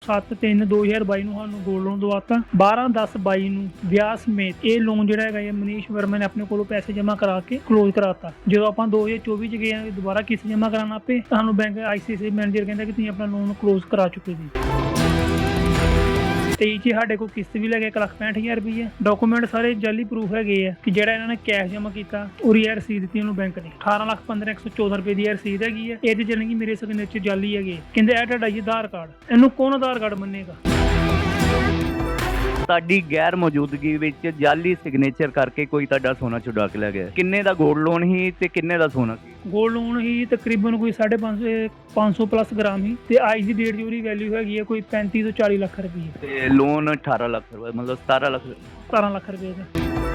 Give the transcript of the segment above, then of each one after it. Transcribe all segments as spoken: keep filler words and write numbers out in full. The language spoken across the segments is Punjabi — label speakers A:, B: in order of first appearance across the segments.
A: ਸੱਤ ਤਿੰਨ ਦੋ ਹਜ਼ਾਰ ਬਾਈ ਨੂੰ ਸਾਨੂੰ ਗੋਲਡ ਲੋਨ ਦਵਾਤਾ। ਬਾਰਾਂ ਦਸ ਬਾਈ ਨੂੰ ਵਿਆਹ ਸਮੇਤ ਇਹ ਲੋਨ ਜਿਹੜਾ ਹੈਗਾ ਇਹ ਮਨੀਸ਼ ਵਰਮਾ ਨੇ ਆਪਣੇ ਕੋਲੋਂ ਪੈਸੇ ਜਮ੍ਹਾਂ ਕਰਾ ਕੇ ਕਲੋਜ਼ ਕਰਾਤਾ। ਜਦੋਂ ਆਪਾਂ ਦੋ ਹਜ਼ਾਰ ਚੌਵੀ ਚ ਗਏ ਆ ਦੁਬਾਰਾ ਕਿਸ਼ਤ ਜਮ੍ਹਾਂ ਕਰਾਉਣ ਪਏ, ਸਾਨੂੰ bank I C I C I manager ਕਹਿੰਦਾ ਕਿ ਤੁਸੀਂ ਆਪਣਾ ਲੋਨ ਕਲੋਜ਼ ਕਰਾ ਚੁੱਕੇ ਜੀ। ਤੇਈ ਚ ਸਾਡੇ ਕੋਲ ਕਿਸ਼ਤ ਵੀ ਲੈ ਗਏ ਇੱਕ ਲੱਖ ਪੈਂਹਠ ਹਜ਼ਾਰ ਰੁਪਈਆ। ਡਾਕੂਮੈਂਟ ਸਾਰੇ ਜਾਲੀ ਪ੍ਰੂਫ ਹੈਗੇ ਆ ਕਿ ਜਿਹੜਾ ਇਹਨਾਂ ਨੇ ਕੈਸ਼ ਜਮ੍ਹਾਂ ਕੀਤਾ ਉਹਦੀ ਇਹ ਰਸੀਦ ਦਿੱਤੀ ਉਹਨੂੰ ਬੈਂਕ ਨੇ। ਅਠਾਰਾਂ ਲੱਖ ਪੰਦਰਾਂ ਇੱਕ ਸੌ ਚੌਦਾਂ ਰੁਪਏ ਦੀ ਇਹ ਰਸੀਦ ਹੈਗੀ ਹੈ। ਇਹਦੇ ਜਾਣੀ ਕਿ ਮੇਰੇ ਸਿਗਨੇਚਰ ਜਾਲੀ ਹੈਗੇ। ਕਹਿੰਦੇ ਇਹ ਤੁਹਾਡਾ ਜੀ ਆਧਾਰ ਕਾਰਡ, ਇਹਨੂੰ ਕੌਣ ਆਧਾਰ ਕਾਰਡ ਮੰਨੇਗਾ।
B: ਤੁਹਾਡੀ ਗੈਰ ਮੌਜੂਦਗੀ ਵਿੱਚ ਜਾਲੀ ਸਿਗਨੇਚਰ ਕਰਕੇ ਕੋਈ ਤੁਹਾਡਾ ਸੋਨਾ ਚੁਰਾ ਕੇ ਲੈ ਗਿਆ। ਕਿੰਨੇ ਦਾ ਗੋਲਡ ਲੋਨ ਸੀ ਤੇ ਕਿੰਨੇ ਦਾ ਸੋਨਾ ਸੀ?
A: ਗੋਲਡ ਲੋਨ ਹੀ ਤਕਰੀਬਨ ਕੋਈ ਸਾਢੇ ਪੰਜ ਸੌ ਪੰਜ ਸੌ ਪਲੱਸ ਗ੍ਰਾਮ ਹੀ ਤੇ ਅੱਜ ਦੀ ਡੇਟ ਦੀ ਉਹਦੀ ਵੈਲਿਊ ਹੈਗੀ ਹੈ ਕੋਈ ਪੈਂਤੀ ਤੋਂ ਚਾਲੀ ਲੱਖ ਰੁਪਏ।
B: ਤੇ ਲੋਨ ਅਠਾਰਾਂ ਲੱਖ ਰੁਪਏ ਮਤਲਬ ਸਤਾਰਾਂ ਲੱਖ
A: ਸਤਾਰਾਂ ਲੱਖ ਰੁਪਏ ਦਾ।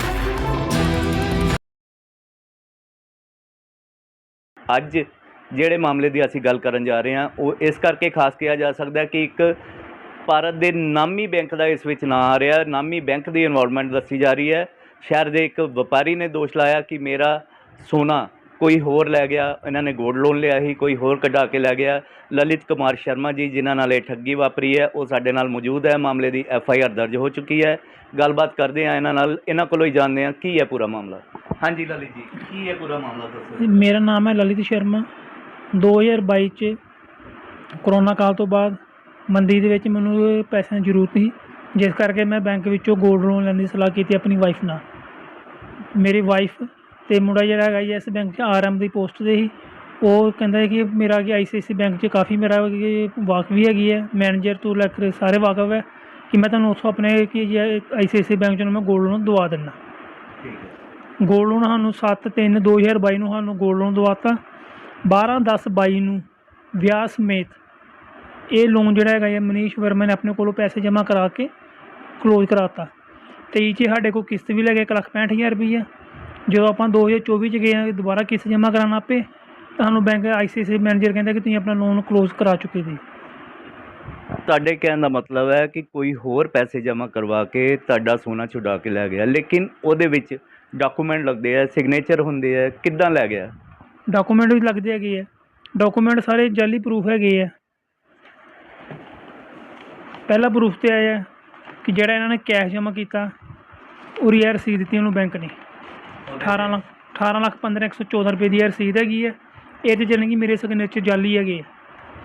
B: ਅੱਜ ਜਿਹੜੇ ਮਾਮਲੇ ਦੀ ਅਸੀਂ ਗੱਲ ਕਰਨ ਜਾ ਰਹੇ ਹਾਂ ਉਹ ਇਸ ਕਰਕੇ ਖਾਸ ਕਿਹਾ ਜਾ ਸਕਦਾ ਕਿ ਇੱਕ ਭਾਰਤ ਦੇ ਨਾਮੀ ਬੈਂਕ ਦਾ ਇਸ ਵਿੱਚ ਨਾਂ ਆ ਰਿਹਾ। ਨਾਮੀ ਬੈਂਕ ਦੀ ਇਨਵੋਲਵਮੈਂਟ ਦੱਸੀ ਜਾ ਰਹੀ ਹੈ। ਸ਼ਹਿਰ ਦੇ ਇੱਕ ਵਪਾਰੀ ਨੇ ਦੋਸ਼ ਲਾਇਆ ਕਿ ਮੇਰਾ ਸੋਨਾ ਕੋਈ ਹੋਰ ਲੈ ਗਿਆ, ਇਹਨਾਂ ਨੇ ਗੋਲਡ ਲੋਨ ਲਿਆ ਸੀ, ਕੋਈ ਹੋਰ ਕਢਾ ਕੇ ਲੈ ਗਿਆ। ਲਲਿਤ ਕੁਮਾਰ ਸ਼ਰਮਾ ਜੀ ਜਿਨ੍ਹਾਂ ਨਾਲ ਇਹ ਠੱਗੀ ਵਾਪਰੀ ਹੈ ਉਹ ਸਾਡੇ ਨਾਲ ਮੌਜੂਦ ਹੈ। ਮਾਮਲੇ ਦੀ ਐਫ ਆਈ ਆਰ ਦਰਜ ਹੋ ਚੁੱਕੀ ਹੈ। ਗੱਲਬਾਤ ਕਰਦੇ ਹਾਂ ਇਹਨਾਂ ਨਾਲ, ਇਹਨਾਂ ਕੋਲੋਂ ਹੀ ਜਾਣਦੇ ਹਾਂ ਕੀ ਹੈ ਪੂਰਾ ਮਾਮਲਾ। ਹਾਂਜੀ ਲਲਿਤ ਜੀ, ਕੀ ਹੈ ਪੂਰਾ ਮਾਮਲਾ ਦੱਸੋ।
A: ਮੇਰਾ ਨਾਮ ਹੈ ਲਲਿਤ ਸ਼ਰਮਾ। ਦੋ ਹਜ਼ਾਰ ਬਾਈ ਚ ਕਰੋਨਾ ਕਾਲ ਤੋਂ ਬਾਅਦ ਮੰਦੀ ਦੇ ਵਿੱਚ ਮੈਨੂੰ ਪੈਸਿਆਂ ਦੀ ਜ਼ਰੂਰਤ ਸੀ, ਜਿਸ ਕਰਕੇ ਮੈਂ ਬੈਂਕ ਵਿੱਚੋਂ ਗੋਲਡ ਲੋਨ ਲੈਣ ਦੀ ਸਲਾਹ ਕੀਤੀ ਆਪਣੀ ਵਾਈਫ ਨਾਲ। ਮੇਰੀ ਵਾਈਫ ਅਤੇ ਮੁੰਡਾ ਜਿਹੜਾ ਹੈਗਾ ਜੀ ਇਸ ਬੈਂਕ 'ਚ ਆਰ ਐਮ ਦੀ ਪੋਸਟ 'ਤੇ ਸੀ। ਉਹ ਕਹਿੰਦਾ ਕਿ ਮੇਰਾ ਕਿ ਆਈ ਸੀ ਆਈ ਸੀ ਬੈਂਕ 'ਚ ਕਾਫੀ ਮੇਰਾ ਵਾਕਫ ਵੀ ਹੈਗੀ ਹੈ, ਮੈਨੇਜਰ ਤੋਂ ਲੈ ਕੇ ਸਾਰੇ ਵਾਕਫ ਹੈ ਕਿ ਮੈਂ ਤੁਹਾਨੂੰ ਉੱਥੋਂ ਆਪਣੇ ਕਿ ਆਈ ਸੀ ਆਈ ਸੀ ਬੈਂਕ 'ਚੋਂ ਮੈਂ ਗੋਲਡ ਲੋਨ ਦਵਾ ਦਿੰਦਾ। ਗੋਲਡ ਲੋਨ ਸਾਨੂੰ ਸੱਤ ਤਿੰਨ ਦੋ ਹਜ਼ਾਰ ਬਾਈ ਨੂੰ ਸਾਨੂੰ ਗੋਲਡ ਲੋਨ ਦਵਾਤਾ। ਬਾਰਾਂ ਦਸ ਬਾਈ ਨੂੰ ਵਿਆਹ ਸਮੇਤ ਇਹ ਲੋਨ ਜਿਹੜਾ ਹੈਗਾ ਇਹ ਮਨੀਸ਼ ਵਰਮਾ ਨੇ ਆਪਣੇ ਕੋਲੋਂ ਪੈਸੇ ਜਮ੍ਹਾਂ ਕਰਾ ਕੇ ਕਲੋਜ਼ ਕਰਾਤਾ। ਤੇਈ ਚ ਸਾਡੇ ਕੋਲ ਕਿਸ਼ਤ ਵੀ ਲੈ ਗਏ ਇੱਕ ਲੱਖ ਪੈਂਹਠ ਹਜ਼ਾਰ ਰੁਪਈਆ। ਜਦੋਂ ਆਪਾਂ ਦੋ ਹਜ਼ਾਰ ਚੌਵੀ ਚ ਗਏ ਆ ਦੁਬਾਰਾ ਕਿਸ਼ਤ ਜਮ੍ਹਾਂ ਕਰਾਉਣ ਪਏ, ਸਾਨੂੰ bank I C I C I manager ਕਹਿੰਦਾ ਕਿ ਤੁਸੀਂ ਆਪਣਾ ਲੋਨ ਕਲੋਜ਼ ਕਰਾ ਚੁੱਕੇ ਜੀ।
B: ਤੁਹਾਡੇ ਕਹਿਣ ਦਾ ਮਤਲਬ ਹੈ ਕਿ ਕੋਈ ਹੋਰ ਪੈਸੇ ਜਮ੍ਹਾਂ ਕਰਵਾ ਕੇ ਤੁਹਾਡਾ ਸੋਨਾ ਛੁਡਾ ਕੇ ਲੈ ਗਿਆ, ਲੇਕਿਨ ਉਹਦੇ ਵਿੱਚ ਡਾਕੂਮੈਂਟ ਲੱਗਦੇ ਆ, ਸਿਗਨੇਚਰ ਹੁੰਦੇ ਆ, ਕਿੱਦਾਂ ਲੈ ਗਿਆ?
A: ਡਾਕੂਮੈਂਟ ਵੀ ਲੱਗਦੇ ਹੈਗੇ ਆ। ਡਾਕੂਮੈਂਟ ਸਾਰੇ ਜਾਲੀ ਪ੍ਰੂਫ ਹੈਗੇ ਆ। ਪਹਿਲਾ ਪ੍ਰੂਫ ਤੇ ਆਇਆ ਕਿ ਜਿਹੜਾ ਇਹਨਾਂ ਨੇ ਕੈਸ਼ ਜਮ੍ਹਾਂ ਕੀਤਾ ਉਹਦੀ ਇਹ ਰਸੀਦ ਦਿੱਤੀ ਉਹਨੂੰ ਬੈਂਕ ਨੇ। ਅਠਾਰਾਂ ਲੱਖ ਅਠਾਰਾਂ ਲੱਖ ਪੰਦਰਾਂ ਇੱਕ ਸੌ ਚੌਦਾਂ ਰੁਪਏ ਦੀ ਇਹ ਰਸੀਦ ਹੈਗੀ ਹੈ। ਇਹਦੇ ਜਾਣੀ ਕਿ ਮੇਰੇ ਸਿਗਨੇਚਰ ਜਾਲੀ ਹੈਗੇ ਆ।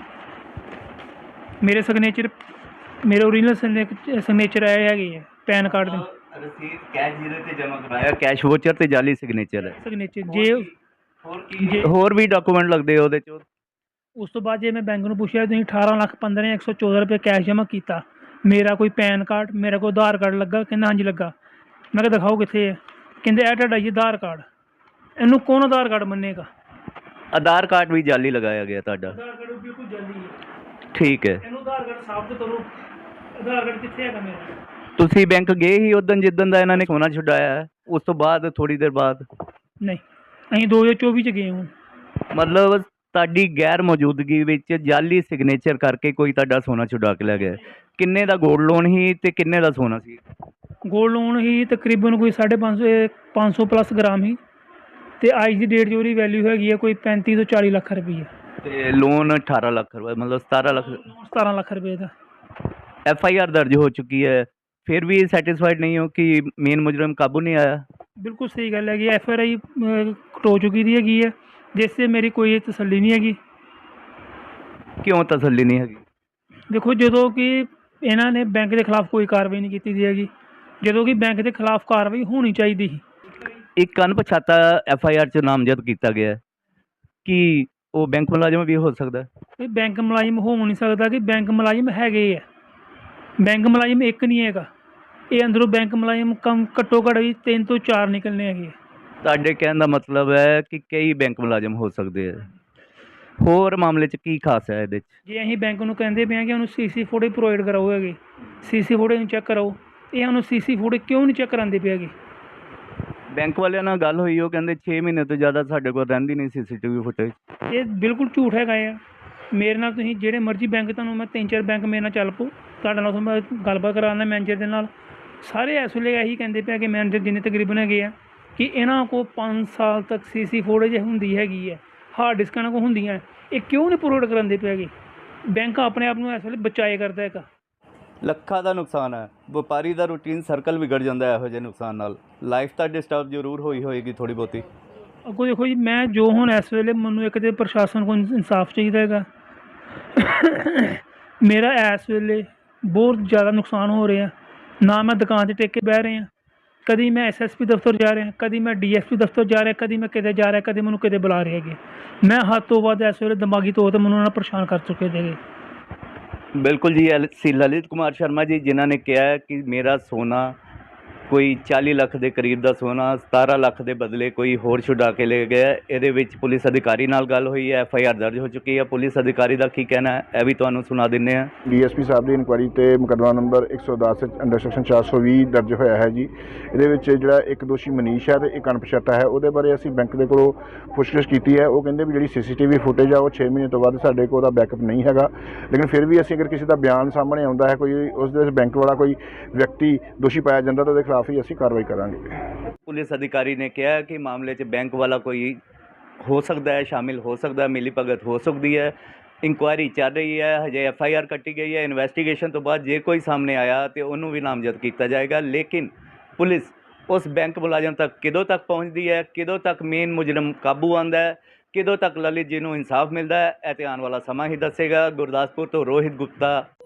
A: ਮੇਰੇ ਸਿਗਨੇਚਰ ਮੇਰੇ ਓਰੀਜਨਲ ਸਿਗਨੇਚਰ ਆਏ ਹੈਗੇ ਆ ਪੈਨ ਕਾਰਡ ਦੇ।
B: ਰਸੀਦ ਕੈਸ਼ ਜਿਹਦੇ ਤੇ ਜਮ੍ਹਾਂ ਕਰਾਇਆ ਕੈਸ਼ ਵੋਚਰ ਤੇ ਜਾਲੀ ਸਿਗਨੇਚਰ ਹੈ।
A: ਸਿਗਨੇਚਰ ਜੇ
B: ਹੋਰ ਕੀ ਹੋਰ ਵੀ ਡਾਕੂਮੈਂਟ ਲੱਗਦੇ ਉਹਦੇ 'ਚ?
A: ਉਸ ਤੋਂ ਬਾਅਦ ਜੇ ਮੈਂ ਬੈਂਕ ਨੂੰ ਪੁੱਛਿਆ ਤੁਸੀਂ ਅਠਾਰਾਂ ਲੱਖ ਪੰਦਰਾਂ ਇੱਕ ਸੌ ਚੌਦਾਂ ਰੁਪਏ ਕੈਸ਼ ਜਮ੍ਹਾਂ ਕੀਤਾ, ਮੇਰਾ ਕੋਈ ਪੈਨ ਕਾਰਡ ਮੇਰਾ ਕੋਈ ਆਧਾਰ ਕਾਰਡ ਲੱਗਾ? ਕਹਿੰਦਾ ਹਾਂਜੀ ਲੱਗਾ। ਮੈਂ ਕਿਹਾ ਦਿਖਾਓ ਕਿੱਥੇ ਹੈ? ਕਹਿੰਦੇ ਇਹ ਤੁਹਾਡਾ ਜੀ ਆਧਾਰ ਕਾਰਡ, ਇਹਨੂੰ ਕੌਣ ਆਧਾਰ ਕਾਰਡ ਮੰਨੇਗਾ।
B: ਆਧਾਰ ਕਾਰਡ ਵੀ ਜਾਲੀ ਲਗਾਇਆ ਗਿਆ ਤੁਹਾਡਾ?
A: ਆਧਾਰ ਕਾਰਡ ਬਿਲਕੁਲ ਜਾਲੀ ਹੈ।
B: ਠੀਕ ਹੈ,
A: ਇਹਨੂੰ ਆਧਾਰ ਕਾਰਡ ਸਾਬਤ ਕਰੋ। ਆਧਾਰ ਕਾਰਡ ਕਿੱਥੇ ਹੈਗਾ ਮੇਰਾ?
B: ਤੁਸੀਂ ਬੈਂਕ ਗਏ ਹੀ ਉਦੋਂ ਜਿੱਦਣ ਦਾ ਇਹਨਾਂ ਨੇ ਸੋਨਾ ਛੁਡਾਇਆ ਹੈ? ਉਸ ਤੋਂ ਬਾਅਦ ਥੋੜ੍ਹੀ ਦੇਰ ਬਾਅਦ?
A: ਨਹੀਂ, ਅਸੀਂ ਦੋ ਹਜ਼ਾਰ ਚੌਵੀ ਚ ਗਏ ਹੁਣ।
B: ਮਤਲਬ ਤੁਹਾਡੀ ਗੈਰ ਮੌਜੂਦਗੀ ਵਿੱਚ ਜਾਲੀ ਸਿਗਨੇਚਰ ਕਰਕੇ ਕੋਈ ਤੁਹਾਡਾ ਸੋਨਾ ਛੁਡਾ ਕੇ ਲੈ ਗਿਆ। ਕਿੰਨੇ ਦਾ ਗੋਲਡ ਲੋਨ ਸੀ ਤੇ ਕਿੰਨੇ ਦਾ ਸੋਨਾ ਸੀ?
A: ਗੋਲਡ ਲੋਨ ਹੀ ਤਕਰੀਬਨ ਕੋਈ ਸਾਢੇ ਪੰਜ ਸੌ ਪੰਜ ਸੌ ਪਲੱਸ ਗ੍ਰਾਮ ਹੀ ਤੇ ਅੱਜ ਦੀ ਡੇਟ 'ਚ ਉਹਦੀ ਵੈਲਿਊ ਹੈਗੀ ਹੈ ਕੋਈ ਪੈਂਤੀ ਤੋਂ ਚਾਲੀ ਲੱਖ ਰੁਪਏ।
B: ਤੇ ਲੋਨ ਅਠਾਰਾਂ ਲੱਖ ਰੁਪਏ ਮਤਲਬ ਸਤਾਰਾਂ ਲੱਖ
A: ਸਤਾਰਾਂ ਲੱਖ ਰੁਪਏ ਦਾ।
B: ਐਫ ਆਈ ਆਰ ਦਰਜ ਹੋ ਚੁੱਕੀ ਹੈ, ਫਿਰ ਵੀ ਸੈਟਿਸਫਾਈਡ ਨਹੀਂ ਹੋ ਕਿ ਮੇਨ ਮੁਜਰਮ ਕਾਬੂ ਨਹੀਂ ਆਇਆ?
A: ਬਿਲਕੁਲ ਸਹੀ ਗੱਲ ਹੈਗੀ। ਐਫ ਆਰ ਆਈ ਕਟੋ ਚੁੱਕੀ ਦੀ ਹੈਗੀ ਹੈ, ਜਿਸ 'ਤੇ ਮੇਰੀ ਕੋਈ ਤਸੱਲੀ ਨਹੀਂ ਹੈਗੀ।
B: ਕਿਉਂ ਤਸੱਲੀ ਨਹੀਂ ਹੈਗੀ?
A: ਦੇਖੋ, ਜਦੋਂ ਕਿ ਇਹਨਾਂ ਨੇ ਬੈਂਕ ਦੇ ਖਿਲਾਫ ਕੋਈ ਕਾਰਵਾਈ ਨਹੀਂ ਕੀਤੀ ਦੀ ਹੈਗੀ, ਜਦੋਂ ਕਿ ਬੈਂਕ ਦੇ ਖਿਲਾਫ ਕਾਰਵਾਈ ਹੋਣੀ ਚਾਹੀਦੀ ਸੀ।
B: ਇੱਕ ਅਣਪਛਾਤਾ ਐਫ ਆਈ ਆਰ 'ਚ ਨਾਮਜ਼ਦ ਕੀਤਾ ਗਿਆ ਕਿ ਉਹ ਬੈਂਕ ਮੁਲਾਜ਼ਮ ਵੀ ਹੋ ਸਕਦਾ?
A: ਇਹ ਬੈਂਕ ਮੁਲਾਜ਼ਮ ਹੋ ਨਹੀਂ ਸਕਦਾ ਕਿ ਬੈਂਕ ਮੁਲਾਜ਼ਮ ਹੈਗੇ ਆ। ਬੈਂਕ ਮੁਲਾਜ਼ਮ ਇੱਕ ਨਹੀਂ ਹੈਗਾ, ਇਹ ਅੰਦਰੋਂ ਬੈਂਕ ਮੁਲਾਜ਼ਮ ਕਮ ਘੱਟੋ ਘੱਟ ਵੀ ਤਿੰਨ ਤੋਂ ਚਾਰ ਨਿਕਲਣੇ ਹੈਗੇ।
B: ਤੁਹਾਡੇ ਕਹਿਣ ਦਾ ਮਤਲਬ ਹੈ ਕਿ ਕਈ ਬੈਂਕ ਮੁਲਾਜ਼ਮ ਹੋ ਸਕਦੇ ਆ। ਹੋਰ ਮਾਮਲੇ 'ਚ ਕੀ ਖਾਸ ਹੈ ਇਹਦੇ 'ਚ?
A: ਜੇ ਅਸੀਂ ਬੈਂਕ ਨੂੰ ਕਹਿੰਦੇ ਪਏ ਹਾਂ ਕਿ ਉਹਨੂੰ ਸੀ ਸੀ ਫੋਟੋ ਪ੍ਰੋਵਾਈਡ ਕਰਾਓ ਹੈਗੇ, ਸੀ ਸੀ ਫੋਟੋ ਨੂੰ ਚੈੱਕ ਕਰਾਓ, ਇਹ ਉਹਨੂੰ ਸੀ ਸੀ ਫੋਟੋ ਕਿਉਂ ਨਹੀਂ ਚੈੱਕ ਕਰਾਉਂਦੇ ਪਏ ਹੈਗੇ?
B: ਬੈਂਕ ਵਾਲਿਆਂ ਨਾਲ ਗੱਲ ਹੋਈ, ਉਹ ਕਹਿੰਦੇ ਛੇ ਮਹੀਨੇ ਤੋਂ ਜ਼ਿਆਦਾ ਸਾਡੇ ਕੋਲ ਰਹਿੰਦੀ ਨਹੀਂ ਸੀ ਸੀ ਟੀ ਵੀ ਫੁਟੇਜ।
A: ਇਹ ਬਿਲਕੁਲ ਝੂਠ ਹੈਗਾ ਆ। ਮੇਰੇ ਨਾਲ ਤੁਸੀਂ ਜਿਹੜੇ ਮਰਜ਼ੀ ਬੈਂਕ, ਤੁਹਾਨੂੰ ਮੈਂ ਤਿੰਨ ਚਾਰ ਬੈਂਕ ਮੇਰੇ ਨਾਲ ਚੱਲ ਪਓ, ਤੁਹਾਡੇ ਨਾਲ ਮੈਂ ਗੱਲਬਾਤ ਕਰਾਉਂਦਾ ਮੈਨੇਜਰ ਦੇ ਨਾਲ। ਸਾਰੇ ਇਸ ਵੇਲੇ ਇਹੀ ਕਹਿੰਦੇ ਪਏ ਕਿ ਮੈਨੇਜਰ ਜਿੰਨੇ ਤਕਰੀਬਨ ਹੈਗੇ ਆ ਕਿ ਇਹਨਾਂ ਕੋਲ ਪੰਜ ਸਾਲ ਤੱਕ ਸੀ ਸੀ ਫੋਟੇਜ ਹੁੰਦੀ ਹੈਗੀ ਹੈ, ਹਾਰਡ ਡਿਸਕਾਂ ਇਹਨਾਂ ਕੋਲ ਹੁੰਦੀਆਂ, ਇਹ ਕਿਉਂ ਨਹੀਂ ਪ੍ਰੋਵਾਈਡ ਕਰਾਉਂਦੇ ਪਏ ਹੈਗੇ? ਬੈਂਕ ਆਪਣੇ ਆਪ ਨੂੰ ਇਸ ਵੇਲੇ ਬਚਾਏ ਕਰਦਾ ਹੈਗਾ।
B: ਲੱਖਾਂ ਦਾ ਨੁਕਸਾਨ ਹੈ। ਵਪਾਰੀ ਦਾ ਰੂਟੀਨ ਸਰਕਲ ਵਿਗੜ ਜਾਂਦਾ ਹੈ ਇਹੋ ਜਿਹੇ ਨੁਕਸਾਨ ਨਾਲ। ਲਾਈਫ ਤਾਂ ਡਿਸਟਰਬ ਜ਼ਰੂਰ ਹੋਈ ਹੋਏਗੀ ਥੋੜ੍ਹੀ ਬਹੁਤੀ।
A: ਅੱਗੋਂ ਦੇਖੋ ਜੀ, ਮੈਂ ਜੋ ਹੁਣ ਇਸ ਵੇਲੇ ਮੈਨੂੰ ਇੱਕ ਤਾਂ ਪ੍ਰਸ਼ਾਸਨ ਕੋਲ ਇਨਸਾਫ ਚਾਹੀਦਾ ਹੈਗਾ। ਮੇਰਾ ਇਸ ਵੇਲੇ ਬਹੁਤ ਜ਼ਿਆਦਾ ਨੁਕਸਾਨ ਹੋ ਰਿਹਾ। ਨਾ ਮੈਂ ਦੁਕਾਨ 'ਤੇ ਟਿਕ ਕੇ ਬਹਿ ਰਿਹਾ, ਕਦੀ ਮੈਂ ਐਸ ਐਸ ਪੀ ਦਫ਼ਤਰ ਜਾ ਰਿਹਾ, ਕਦੀ ਮੈਂ ਡੀ ਐਸ ਪੀ ਦਫ਼ਤਰ ਜਾ ਰਿਹਾ, ਕਦੀ ਮੈਂ ਕਿਤੇ ਜਾ ਰਿਹਾ, ਕਦੀ ਮੈਨੂੰ ਕਿਤੇ ਬੁਲਾ ਰਹੇ ਹੈਗੇ। ਮੈਂ ਹੱਦ ਤੋਂ ਵੱਧ ਇਸ ਵੇਲੇ ਦਿਮਾਗੀ ਤੌਰ 'ਤੇ ਮੈਨੂੰ ਉਹਨਾਂ ਪਰੇਸ਼ਾਨ ਕਰ ਚੁੱਕੇ ਹੈਗੇ।
B: ਬਿਲਕੁਲ ਜੀ, ਐਲ ਸੀ ਲਲਿਤ ਕੁਮਾਰ ਸ਼ਰਮਾ ਜੀ, ਜਿਨ੍ਹਾਂ ਨੇ ਕਿਹਾ ਹੈ ਕਿ ਮੇਰਾ ਸੋਨਾ ਕੋਈ ਚਾਲੀ ਲੱਖ ਦੇ ਕਰੀਬ ਦਾ ਸੋਨਾ ਸਤਾਰਾਂ ਲੱਖ ਦੇ ਬਦਲੇ ਕੋਈ ਹੋਰ ਛੁਡਾ ਕੇ ਲੈ ਗਿਆ। ਇਹਦੇ ਵਿੱਚ ਪੁਲਿਸ ਅਧਿਕਾਰੀ ਨਾਲ ਗੱਲ ਹੋਈ ਹੈ, ਐਫ ਆਈ ਆਰ ਦਰਜ ਹੋ ਚੁੱਕੀ ਹੈ। ਪੁਲਿਸ ਅਧਿਕਾਰੀ ਦਾ ਕੀ ਕਹਿਣਾ ਹੈ ਇਹ ਵੀ ਤੁਹਾਨੂੰ ਸੁਣਾ ਦਿੰਦੇ ਹਾਂ।
C: ਡੀ ਐਸ ਪੀ ਸਾਹਿਬ ਦੀ ਇਨਕੁਆਇਰੀ ਤੇ ਮੁਕੱਦਮਾ ਨੰਬਰ ਇੱਕ ਸੌ ਦਸ ਅੰਡਰ ਸੈਕਸ਼ਨ ਚਾਰ ਸੌ ਵੀਹ ਦਰਜ ਹੋਇਆ ਹੈ ਜੀ। ਇਹਦੇ ਵਿੱਚ ਜਿਹੜਾ ਇੱਕ ਦੋਸ਼ੀ ਮਨੀਸ਼ ਹੈ ਤੇ ਇੱਕ ਅਣਪਛਾਤਾ ਹੈ, ਉਹਦੇ ਬਾਰੇ ਅਸੀਂ ਬੈਂਕ ਦੇ ਕੋਲੋਂ ਪੁੱਛਗਿੱਛ ਕੀਤੀ ਹੈ। ਉਹ ਕਹਿੰਦੇ ਵੀ ਜਿਹੜੀ ਸੀ ਸੀ ਟੀ ਵੀ ਫੁਟੇਜ ਆ ਉਹ ਛੇ ਮਹੀਨੇ ਤੋਂ ਬਾਅਦ ਸਾਡੇ ਕੋਲ ਉਹਦਾ ਬੈਕਅਪ ਨਹੀਂ ਹੈਗਾ, ਲੇਕਿਨ ਫਿਰ ਵੀ ਅਸੀਂ ਅਗਰ ਕਿਸੇ ਦਾ ਬਿਆਨ ਸਾਹਮਣੇ ਆਉਂਦਾ ਹੈ, ਕੋਈ ਉਸ ਦੇ ਵਿੱਚ ਬੈਂਕ ਵਾਲਾ ਕੋਈ ਵਿਅਕਤੀ ਦੋਸ਼ੀ ਪਾਇਆ ਜਾਂਦਾ ਤਾਂ ਉਹਦੇ ਖਿਲਾਫ ਹੀ ਅਸੀਂ ਕਾਰਵਾਈ ਕਰਾਂਗੇ।
B: ਪੁਲਿਸ ਅਧਿਕਾਰੀ ਨੇ ਕਿਹਾ ਕਿ ਮਾਮਲੇ 'ਚ ਬੈਂਕ ਵਾਲਾ ਕੋਈ ਹੋ ਸਕਦਾ ਹੈ, ਸ਼ਾਮਿਲ ਹੋ ਸਕਦਾ ਹੈ, ਮਿਲੀ ਭਗਤ ਹੋ ਸਕਦੀ ਹੈ। ਇਨਕੁਆਇਰੀ ਚੱਲ ਰਹੀ ਹੈ, ਹਜੇ ਐਫ ਆਈ ਆਰ ਕੱਟੀ ਗਈ ਹੈ। ਇਨਵੈਸਟੀਗੇਸ਼ਨ ਤੋਂ ਬਾਅਦ ਜੇ ਕੋਈ ਸਾਹਮਣੇ ਆਇਆ ਤੇ ਉਹਨੂੰ ਵੀ ਨਾਮਜ਼ਦ ਕੀਤਾ ਜਾਏਗਾ। ਲੇਕਿਨ ਪੁਲਿਸ ਉਸ ਬੈਂਕ ਮੁਲਾਜ਼ਮ ਤੱਕ ਕਦੋਂ ਤੱਕ ਪਹੁੰਚਦੀ ਹੈ, ਕਦੋਂ ਤੱਕ ਮੇਨ ਮੁਜਰਮ ਕਾਬੂ ਆਉਂਦਾ ਹੈ, ਕਦੋਂ ਤੱਕ ਲਲਿਤ ਜੀ ਨੂੰ ਇਨਸਾਫ ਮਿਲਦਾ ਹੈ, ਇਹ ਤੇ ਆਉਣ ਵਾਲਾ ਸਮਾਂ ਹੀ ਦੱਸੇਗਾ। ਗੁਰਦਾਸਪੁਰ ਤੋਂ ਰੋਹਿਤ ਗੁਪਤਾ,